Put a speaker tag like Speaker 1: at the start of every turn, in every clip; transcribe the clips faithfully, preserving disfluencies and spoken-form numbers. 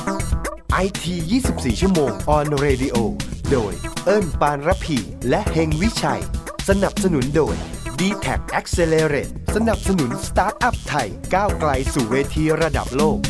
Speaker 1: ไอ ที ยี่สิบสี่ ชั่วโมง on radio โดยเอิ้นปานระพีและเฮงวิชัยสนับสนุนโดย ดี แท็ก Accelerate สนับสนุนสตาร์ทอัพไทยก้าวไกลสู่เวทีระดับโลก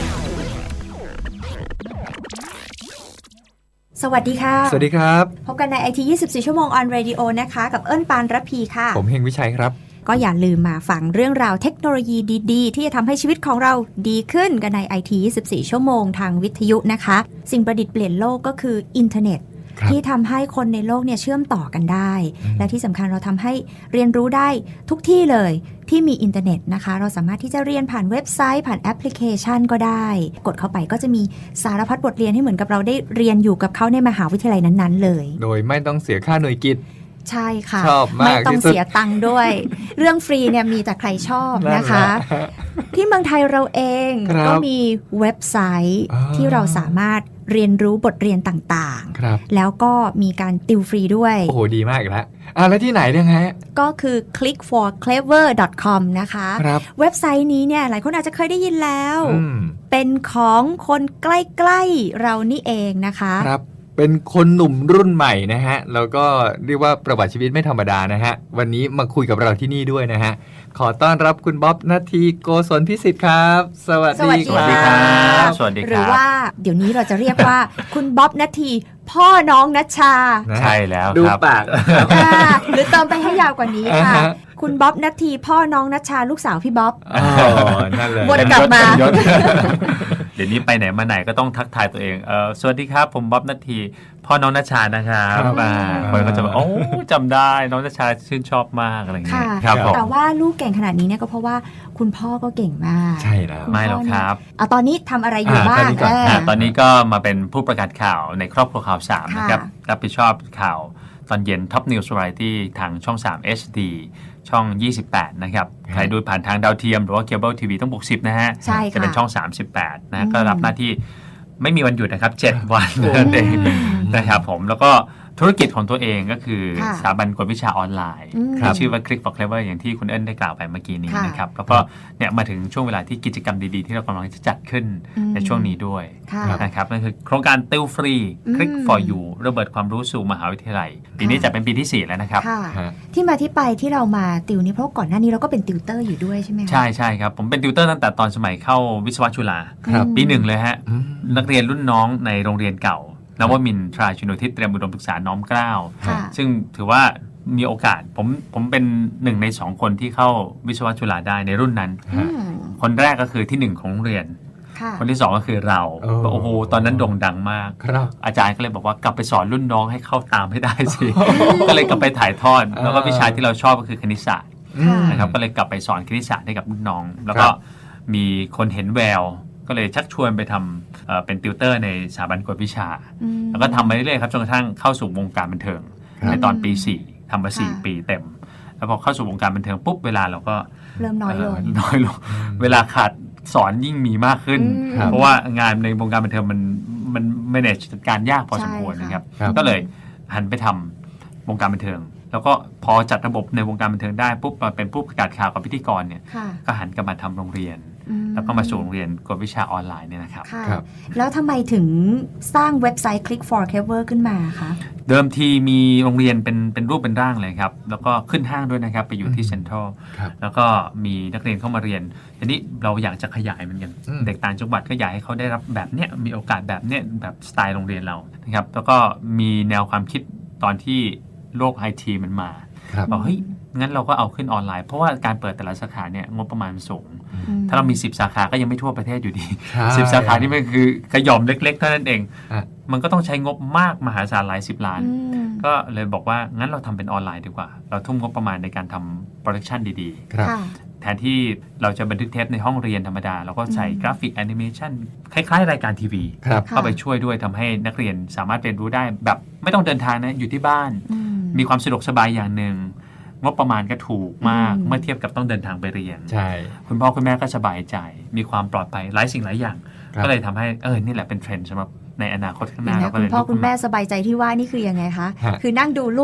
Speaker 2: สวัสดีค่ะ
Speaker 3: สวัสดีครับ
Speaker 2: พบกันใน ไอ ที ยี่สิบสี่ ชั่วโมง on radio นะคะกับเอิ้นปานระพีค่ะ
Speaker 3: ผมเฮงวิชัยครับ
Speaker 2: ก็อย่าลืมมาฟังเรื่องราวเทคโนโลยีดีๆที่จะทำให้ชีวิตของเราดีขึ้นกันใน ไอ ที ยี่สิบสี่ ชั่วโมงทางวิทยุนะคะสิ่งประดิษฐ์เปลี่ยนโลกก็คืออินเทอร์เน็ตที่ทำให้คนในโลกเนี่ยเชื่อมต่อกันได้และที่สำคัญเราทำให้เรียนรู้ได้ทุกที่เลยที่มีอินเทอร์เน็ตนะคะเราสามารถที่จะเรียนผ่านเว็บไซต์ผ่านแอปพลิเคชันก็ได้กดเข้าไปก็จะมีสารพัดบทเรียนให้เหมือนกับเราได้เรียนอยู่กับเขาในมหาวิทยาลัยนั้นๆเลย
Speaker 3: โดยไม่ต้องเสียค่าหน่วยกิต
Speaker 2: ใช่ค่ะ
Speaker 3: ชอบมาก
Speaker 2: ไม่ต้องเสียตังค์ด้วย เรื่องฟรีเนี่ยมีแต่ใครชอบนะคะที่เมืองไทยเราเองก็มีเว็บไซต์ที่เราสามารถเรียนรู้บทเรียนต่างๆแล้วก็มีการติวฟรีด้วย
Speaker 3: โอ้โหดีมากอีกแล้วอ่ะแล้วที่ไหนเนี่ยฮะ
Speaker 2: ก็คือ คลิก ฟอร์ เคลเวอร์ ดอท คอม นะคะเว็บไซต์นี้เนี่ยหลายคนอาจจะเคยได้ยินแล้วเป็นของคนใกล้ๆเรานี่เองนะคะ
Speaker 3: ครับเป็นคนหนุ่มรุ่นใหม่นะฮะแล้วก็เรียกว่าประวัติชีวิตไม่ธรรมดานะฮะวันนี้มาคุยกับเราที่นี่ด้วยนะฮะขอต้อนรับคุณบ๊อบณัฐี โกศลพิสิทธิ์ครับสวัสดี
Speaker 2: ครับสวัสดีครับหรือว่าเดี๋ยวนี้เราจะเรียกว่า คุณบ๊อบณัฐีพ่อน้องณัชชา
Speaker 4: ใช่แล้ว
Speaker 3: ดูปาก
Speaker 2: หรือเติมไปให้ยาวกว่านี้ค่ะคุณบ๊อบณัฐีพ่อน้องณัชชาลูกสาวพี่บ๊อบ
Speaker 3: อ๋อนั่นเลย
Speaker 2: วนกลับมา
Speaker 4: เดี๋ยวนี้ไปไหนมาไหนก็ต้องทักทายตัวเองเออสวัสดีครับผมบ๊อบณัฐีพ่อน้องณัชชานะครับคนก็จะบอกโอ้จำได้น้องณัชชาชื่นชอบมากอะไรเงี้ย
Speaker 2: ครับแต่ว่าลูกเก่งขนาดนี้เนี่ยก็เพราะว่าคุณพ่อก็เก่งมาก
Speaker 3: ใช่แล้ว
Speaker 4: ไม่หรอกครับ
Speaker 2: อ่ะตอนนี้ทำอะไรอยู่บ้าง
Speaker 4: ตอนนี้ก็มาเป็นผู้ประกาศข่าวในครอบครัวข่าวสามนะครับรับผิดชอบข่าวตอนเย็น Top News Variety ทางช่องสาม เอช ดี ช่องยี่สิบแปดนะครับใครดูผ่านทางดาวเทียมหรือว่าเคเบิลทีวีต้องบวกสิบนะฮะจะเป็นช่องสามสิบแปดนะก็รับหน้าที่ไม่มีวันหยุดนะครับเจ็ดวันนั่นเองนะครับผมแล้วก็ธุรกิจของตัวเองก็คือสถาบันกวดวิชาออนไลน์ที่ชื่อว่า คลิก ฟอร์ เคลเวอร์ อย่างที่คุณเอิ้นได้กล่าวไปเมื่อกี้นี้นะครับแล้วก็เนี่ยมาถึงช่วงเวลาที่กิจกรรมดีๆที่เรากำลังจะจัดขึ้นในช่วงนี้ด้วยนะครับนั่นคือโครงการติวฟรี คลิก ฟอร์ ยู ระเบิดความรู้สู่มหาวิทยาลัยปีนี้จะเป็นปีที่สี่แล้วนะครับ
Speaker 2: ที่มาที่ไปที่เรามาติวนี่เพราะก่อนหน้านี้เราก็เป็นติวเตอร์อยู่ด้วยใช่ไหมคะ
Speaker 4: ใช่ใช่ครับผมเป็นติวเตอร์ตั้งแต่ตอนสมัยเข้าวิศวะจุฬาปีหนึ่งเลยฮะนักเรียนรุ่นน้องในโรงเรียนเก่านวมินทราชินูทิศเตรียมอุดมศึกษาน้อมเกล้าซึ่งถือว่ามีโอกาสผมผมเป็นหนึ่งในสองคนที่เข้าวิศวะจุฬาได้ในรุ่นนั้นคนแรกก็คือที่หนึ่งของโรงเรียนคนที่สองก็คือเราโอ้โหตอนนั้นโด่งดังมากอาจารย์ก็เลยบอกว่ากลับไปสอนรุ่นน้องให้เข้าตามให้ได้สิก็เลยกลับไปถ่ายทอดแล้วก็วิชาที่เราชอบก็คือคณิตศาสตร์นะครับก็เลยกลับไปสอนคณิตศาสตร์ให้กับรุ่นน้องแล้วก็มีคนเห็นแววก็เลยชักชวนไปทำเอ่อเป็นติวเตอร์ในสถาบันกวดวิชาแล้วก็ทำมาเรื่อยๆครับจนกระทั่งเข้าสู่วงการบันเทิงในตอนปีสี่ทำมาสี่ปีเต็มแล้วพอเข้าสู่วงการบันเทิงปุ๊บเวลาเราก็
Speaker 2: เริ่มน้อยลง
Speaker 4: น้อยลงเวลาขาดสอนยิ่งมีมากขึ้นเพราะว่างานในวงการบันเทิงมันมัน manage จัดการยากพอสมควรนะครับก็เลยหันไปทำวงการบันเทิงแล้วก็พอจัดระบบในวงการบันเทิงได้ปุ๊บมาเป็นผู้ประกาศข่าวกับพิธีกรเนี่ยก็หันกลับมาทำโรงเรียนแล้วก็มาสู่โรงเรียนกวดวิชาออนไลน์เนี่ยนะครับ
Speaker 2: แล้วทำไมถึงสร้างเว็บไซต์ คลิก ฟอร์ เคลเวอร์ ขึ้นมาคะ
Speaker 4: เดิมทีมีโรงเรียนเป็นเป็นรูปเป็นร่างเลยครับแล้วก็ขึ้นห้างด้วยนะครับไปอยู่ที่เซ็นทรัลแล้วก็มีนักเรียนเข้ามาเรียนทีนี้เราอยากจะขยายมันกันเด็กต่างจังหวัดก็อยากให้เขาได้รับแบบเนี้ยมีโอกาสแบบเนี้ยแบบสไตล์โรงเรียนเรานะครับแล้วก็มีแนวความคิดตอนที่โลก ไอ ที มันมาบอกเฮ้ยงั้นเราก็เอาขึ้นออนไลน์เพราะว่าการเปิดแต่ละสาขาเนี่ยงบประมาณสูงถ้าเรามีสิบสาขาก็ยังไม่ทั่วประเทศอยู่ดีสิบสาขานี่มันคือขย่อมเล็กๆเท่านั้นเองมันก็ต้องใช้งบมากมหาศาลหลายสิบล้านก็เลยบอกว่างั้นเราทำเป็นออนไลน์ดีกว่าเราทุ่มงบประมาณในการทำโปรดักชันดีๆแทนที่เราจะบันทึกเทปในห้องเรียนธรรมดาเราก็ใส่กราฟิกแอนิเมชันคล้ายๆรายการทีวีเข้าไปช่วยด้วยทำให้นักเรียนสามารถเรียนรู้ได้แบบไม่ต้องเดินทางนะอยู่ที่บ้านมีความสะดวกสบายอย่างหนึ่งงบประมาณก็ถูกมากเมื่อเทียบกับต้องเดินทางไปเรียน
Speaker 3: ใช่
Speaker 4: คุณพ่อคุณแม่ก็สบายใจมีความปลอดภัยหลายสิ่งหลายอย่างก็เลยทำให้เออนี่แหละเป็นเทรนด์สำหรับในอนาคตข้างหน้าเราก็เลย
Speaker 2: คุณพ่อคุณแม่สบายใจที่ว่านี่คือยังไงคะคือนั่งดูลูก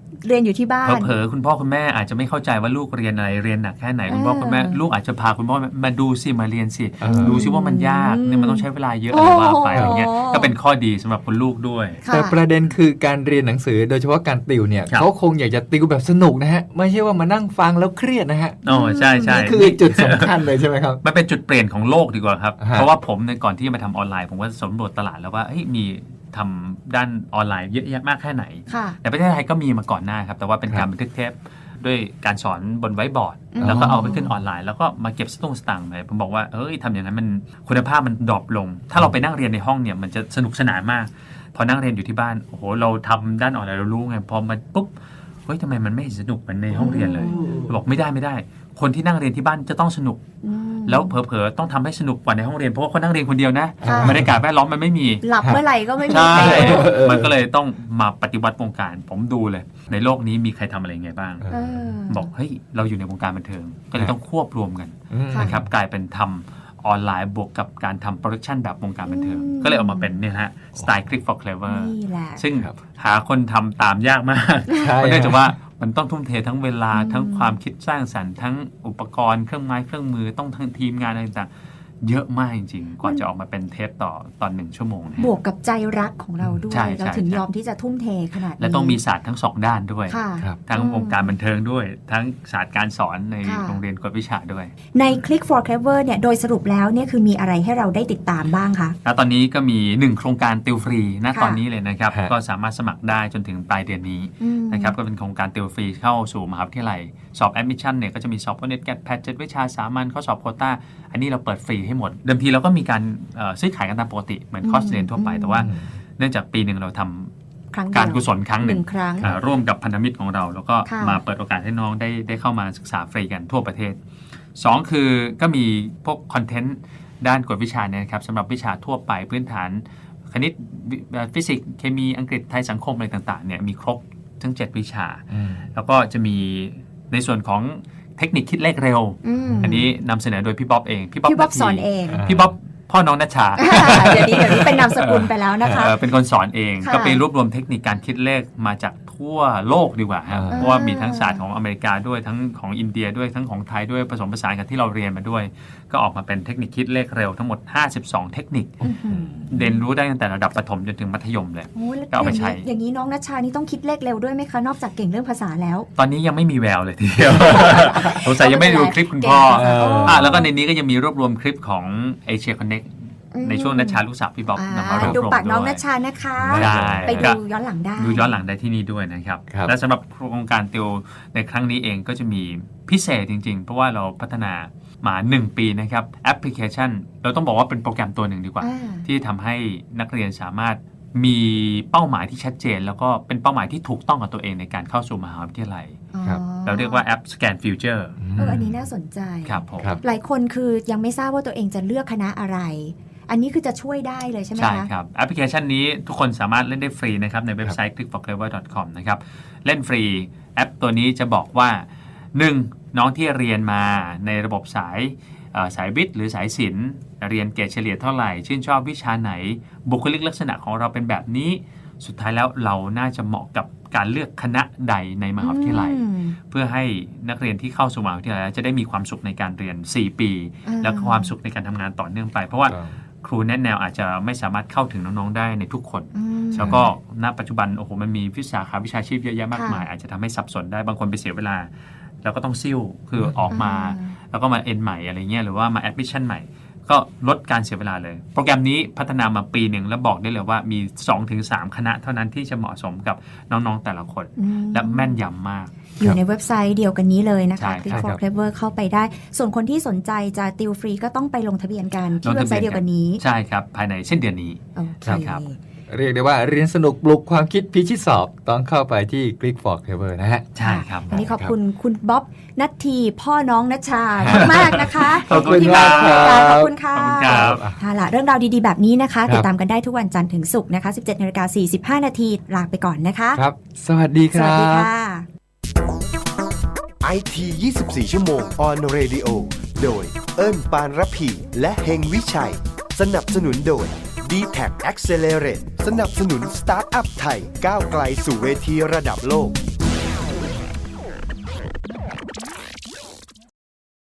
Speaker 2: เรียนอยู่ที่บ้าน
Speaker 4: เผลอๆคุณพ่อคุณแม่อาจจะไม่เข้าใจว่าลูกเรียนอะไรเรียนหนักแค่ไหนคุณพ่อ
Speaker 2: เออ
Speaker 4: คุณแม่ลูกอาจจะพาคุณพ่อมาดูสิมาเรียนสิ
Speaker 3: เออ
Speaker 4: ดูสิว่ามันยากเนี่ยมันต้องใช้เวลาเยอะ
Speaker 2: โอ้
Speaker 4: อะไร
Speaker 2: โห
Speaker 4: ว่าไปอะไรเงี้ยก็เป็นข้อดีสำหรับคุณลูกด้วย
Speaker 2: ค่ะ
Speaker 3: แต่ประเด็นคือการเรียนหนังสือโดยเฉพาะการติวเนี่ย
Speaker 4: ครับ
Speaker 3: เขาคงอยากจะติวแบบสนุกนะฮะไม่ใช่ว่ามานั่งฟังแล้วเครียดนะฮะ
Speaker 4: โอ้ใช่ใช่
Speaker 3: นี่คือจุดสำคัญเลยใช่ไหมครับ
Speaker 4: มันเป็นจุดเปลี่ยนของโลกดีกว่าครับ
Speaker 3: ฮะ
Speaker 4: เพราะว่าผมในยก่อนที่จะมาทำออนไลน์ผมก็สำรวจตลาดแล้วว่าเฮ้ยมีทำด้านออนไลน์เยอะแยะมากแค่ไหน
Speaker 2: ค่ะ
Speaker 4: ในประเทศไทยก็มีมาก่อนหน้าครับแต่ว่าเป็นการบันทึกเทปด้วยการสอนบนไวท์บอร์ด
Speaker 2: อืม
Speaker 4: แล้วก็เอาไปขึ้นออนไลน์แล้วก็มาเก็บสตุ้งสตางค์ไปผมบอกว่าเอ้ยทำอย่างนั้นมันคุณภาพมันดรอปลง ถ้าเราไปนั่งเรียนในห้องเนี่ยมันจะสนุกสนานมาก พอนั่งเรียนอยู่ที่บ้านโอ้โหเราทำด้านออนไลน์เรารู้ไงพอมาปุ๊บเฮ้ยทำไมมันไม่เห็นสนุกเหมือนในห้องเรียนเลยบอกไม่ได้ไม่ได้ คนที่นั่งเรียนที่บ้านจะต้องสนุก
Speaker 2: อืม
Speaker 4: แล้วเผลอๆต้องทำให้สนุกกว่าในห้องเรียนเพราะว่าคนนั่งเรียนคนเดียวนะ
Speaker 2: ค่ะ
Speaker 4: บรรยากาศแวดล้อมมันไม่มี
Speaker 2: หลับเมื่อไหร่ก็ไม่มี
Speaker 4: ใช่
Speaker 2: ใครรู้
Speaker 4: มันก็เลยต้องมาปฏิวัติวงการ ผมดูเลย ในโลกนี้มีใครทำอะไรยังไงบ้าง
Speaker 2: เออ
Speaker 4: บอกเฮ้ยเราอยู่ในวงการบันเทิง ก็เลยต้องควบรวมกัน
Speaker 3: อืม
Speaker 2: ค่ะ
Speaker 4: นะครับกลายเป็นทำออนไลน์บวกกับการทำโปรดักชันแบบวงการบันเทิง
Speaker 2: อืม
Speaker 4: ก็เลยออกมาเป็นเนี่ยฮะสไตล์ Click for Clever
Speaker 2: นี่แหละ
Speaker 4: ซึ่ง
Speaker 3: ครับ
Speaker 4: หาคนทำตามยากมาก
Speaker 3: ใช่
Speaker 4: เพราะเนื่องจากว่ามันต้องทุ่มเททั้งเวลา
Speaker 2: อืม
Speaker 4: ทั้งความคิดสร้างสรรค์ทั้งอุปกรณ์เครื่องไม้เครื่องมือต้องทั้งทีมงานอะไรต่างๆเยอะมากจริงๆ กว่าจะออกมาเป็นเทปต่อตอนหนึ่งชั่วโมงนะฮะ
Speaker 2: บวกกับใจรักของเราด้วย
Speaker 4: ใช่ใช่
Speaker 2: เราถึง
Speaker 4: ใช่
Speaker 2: ยอมที่จะทุ่มเทขนาดนี้
Speaker 4: และต้องมีศาสตร์ทั้งสองด้านด้วย
Speaker 2: ค่ะ
Speaker 3: ครับ
Speaker 4: ทั้ง
Speaker 2: อืม
Speaker 4: วงการบันเทิงด้วย ทั้งศาสตร์การสอนใน
Speaker 2: ค่ะ
Speaker 4: โรงเรียนกวดวิชาด้วย
Speaker 2: ใน Click for Clever เนี่ยโดยสรุปแล้วเนี่ยคือมีอะไรให้เราได้ติดตามบ้างคะ
Speaker 4: แล้วตอนนี้ก็มีหนึ่งโครงการติวฟรีณ
Speaker 2: ค่ะ
Speaker 4: ตอนนี้เลยนะครับ
Speaker 3: ฮะ
Speaker 4: ก็สามารถสมัครได้จนถึงปลายเดือนนี้
Speaker 2: อืม
Speaker 4: นะครับก็เป็นโครงการติวฟรีเข้าสู่มหาวิทยาลัย สอบแอดมิชชั่นเนี่ยก็จะมีสอบโอเน็ตแกดแพทเจ็ดวิชาสามัญข้อสอบโควต้าอันนี้เราเปิดฟรีให้หมด เดิมทีเราก็มีการเอ่อซื้อขายกันตามปกติเหมือนคอร์สเรียนทั่วไป
Speaker 2: อืม
Speaker 4: แต่ว่าเนื่องจากปีหนึ่งเราทำ
Speaker 2: ครั้งเดียว
Speaker 4: การกุศลครั้งหนึ่ง
Speaker 2: ครั้ง
Speaker 4: อ่าร่วมกับพันธมิตรของเรา แล้วก็
Speaker 2: ค่ะ
Speaker 4: มาเปิดโอกาสให้น้องได้ได้เข้ามาศึกษาฟรีกันทั่วประเทศสองคือก็มีพวกคอนเทนต์ด้านกวดวิชาเนี่ยนะครับสำหรับวิชาทั่วไปพื้นฐานคณิตวิฟิสิกส์เคมีอังกฤษไทยสังคมอะไรต่างๆเนี่ยมีครบทั้งเจ็ดวิชา
Speaker 3: อืม
Speaker 4: แล้วก็จะมีในส่วนของเทคนิคคิดเลขเร็ว
Speaker 2: อืม
Speaker 4: อันนี้นำเสนอโดยพี่บ๊อบเองพี่บ๊อบ
Speaker 2: พี่บ๊อบ
Speaker 4: นาที
Speaker 2: สอนเอง
Speaker 3: อ่า
Speaker 4: พี่บ๊อบพ่อน้องนัชชา
Speaker 2: เดี๋ยวนี้เดี๋ยวนี้เป็นนามสกุลไปแล้วนะคะ
Speaker 4: เออเป็นคนสอนเอง
Speaker 2: ค่ะ
Speaker 4: ก็ไปรวบรวมเทคนิคการคิดเลขมาจากทั่วโลกดีกว่าครับ
Speaker 3: อ่า
Speaker 4: เพราะว่ามีทั้งศาสตร์ของอเมริกาด้วยทั้งของอินเดียด้วยทั้งของไทยด้วยผสมผสานกันที่เราเรียนมาด้วย ก็ออกมาเป็นเทคนิคคิดเลขเร็วทั้งหมดห้าสิบสองเทคนิค
Speaker 2: อื้อหือ
Speaker 4: เรียนรู้ได้ตั้งแต่ระดับประถมจนถึงมัธยมเลย
Speaker 2: โอ้ยแล้ว
Speaker 4: ก็เอาไปใช้
Speaker 2: อย่างนี้อย่างนี้น้องนัชชานี่ต้องคิดเลขเร็วด้วยไหมคะ นอกจากเก่งเรื่องภาษาแล้ว
Speaker 4: ตอนนี้ยังไม่มีแววเลยทีเดียว สงสัยยังไม่ได้ดูคลิปคุณพ่อ
Speaker 2: เก่งภาษา
Speaker 3: เออ
Speaker 4: อ่ะแล้วก็ในนี้ก็ยังมีรวบรวมคลิปของ Asia Connect
Speaker 2: อืม
Speaker 4: ในช่วงนัชชาลูกสาวพี่บ๊อบ
Speaker 2: อ่าน
Speaker 4: ำมารวบ
Speaker 2: ดู
Speaker 4: รวม
Speaker 2: ปากน้อง
Speaker 4: ด้ว
Speaker 2: นั
Speaker 4: ย
Speaker 2: ชชานะคะ
Speaker 4: ได้
Speaker 2: ไปดูย้อนหลังได้
Speaker 4: ดูย้อนหลังได้ที่นี่ด้วยนะครับ
Speaker 3: ครับ
Speaker 4: และสำหรับโครงการติวในครั้งนี้เองก็จะมีพิเศษจริงๆ เพราะว่าเราพัฒนามาหนึ่งปีนะครับแอปพลิเคชัน เราต้องบอกว่าเป็นโปรแกรมตัวหนึ่งดีกว่า
Speaker 2: อ่า
Speaker 4: ที่ทำให้นักเรียนสามารถมีเป้าหมายที่ชัดเจน แล้วก็เป็นเป้าหมายที่ถูกต้องกับตัวเองในการเข้าสู่มหาวิทยาลัย
Speaker 3: ครับ
Speaker 2: อ๋อ
Speaker 4: เราเรียกว่าแอป Scan Future
Speaker 2: เอออันนี้น่าสนใจ
Speaker 4: ครับผม
Speaker 3: ครับ
Speaker 2: หลายคนคือยังไม่ทราบว่าตัวเองจะเลือกคณะอะไร อันนี้คือจะช่วยได้เลยใช่ไหม
Speaker 4: ใช่
Speaker 2: คะ
Speaker 4: ครับแอปพลิเคชันนี้ทุกคนสามารถเล่นได้ฟรีนะครับในเว็บไซต์ click for clever dot com นะครับเล่นฟรีแอปตัวนี้จะบอกว่า หนึ่ง น้องที่เรียนมาในระบบสายเอ่อสายวิทย์หรือสายศิลป์เรียนเกรดเฉลี่ยเท่าไหร่ ชื่นชอบวิชาไหน บุคลิกลักษณะของเราเป็นแบบนี้ สุดท้ายแล้วเราน่าจะเหมาะกับการเลือกคณะใดในมหาวิทยาลัย
Speaker 2: อืม
Speaker 4: เพื่อให้นักเรียนที่เข้าสู่มหาวิทยาลัยจะได้มีความสุขในการเรียน สี่ ปี
Speaker 2: อ่า
Speaker 4: แล้วก็ความสุขในการทำงานต่อเนื่องไป เพราะว่าครูแนะแนวอาจจะไม่สามารถเข้าถึงน้องๆได้ในทุกคน
Speaker 2: อืม
Speaker 4: แล้วก็ณปัจจุบันโอ้โหมันมีวิชาขาวิชาชีพเยอะแยะมาก
Speaker 2: ค่ะ
Speaker 4: มาย อาจจะทำให้สับสนได้บางคนไปเสียเวลา แล้วก็ต้องซิ่วคือออกมา
Speaker 2: อ่า
Speaker 4: แล้วก็มาเอ็นใหม่อะไรเงี้ยหรือว่ามาแอดมิชชั่นใหม่ ก็ลดการเสียเวลาเลย โปรแกรมนี้พัฒนามาปีหนึ่งแล้วบอกได้เลยว่ามี สองถึงสาม คณะเท่านั้นที่จะเหมาะสมกับน้องๆแต่ละคน
Speaker 2: อืม
Speaker 4: และแม่นยำมาก
Speaker 2: อยู่ในเว็บไซต์เดียวกันนี้เลยนะ
Speaker 4: ใช่
Speaker 2: คะ Click
Speaker 3: ใช่
Speaker 2: for
Speaker 3: ครับ
Speaker 2: Clever เข้าไปได้ ส่วนคนที่สนใจจะติวฟรีก็ต้องไปลงทะเบียนกันที่เว็บไซต์เดียวกันนี้
Speaker 4: ใช่ครับภายในสิ้นเดือนนี้
Speaker 2: โอเค
Speaker 4: ครับ
Speaker 3: เรียกได้ว่าเรียนสนุกปลุกความคิดพิชิตสอบต้องเข้าไปที่ Click for Clever นะฮะ
Speaker 4: ใช่ครับ
Speaker 2: วันนี้ขอบคุณคุณบ๊อบนัททีพ่อน้องนัชชามากๆนะคะ
Speaker 3: ขอบคุณ
Speaker 2: ที่มาร่วมรายการ
Speaker 3: ครับ
Speaker 2: ขอบคุณค่ะ
Speaker 4: ขอบคุณครับ
Speaker 2: ค่ะล่ะเรื่องราวดีๆแบบนี้นะคะ
Speaker 3: ครับ
Speaker 2: ติดตามกันได้ทุกวันจันทร์ถึงศุกร์นะคะ สิบเจ็ดนาฬิกาสี่สิบห้านาทีลาไปก่อนนะคะ
Speaker 3: ครับ สวัสดีค
Speaker 2: สวัส
Speaker 3: รั
Speaker 2: ดี
Speaker 3: บ
Speaker 2: ค่ะ
Speaker 1: ไอ ที ยี่สิบสี่ ชั่วโมง on radio โดยเอิ้นปานรพี และเฮงวิชัย สนับสนุนโดย ดี แท็ก Accelerate สนับสนุนสตาร์ทอัพไทยก้าวไกลสู่เวทีระดับโลก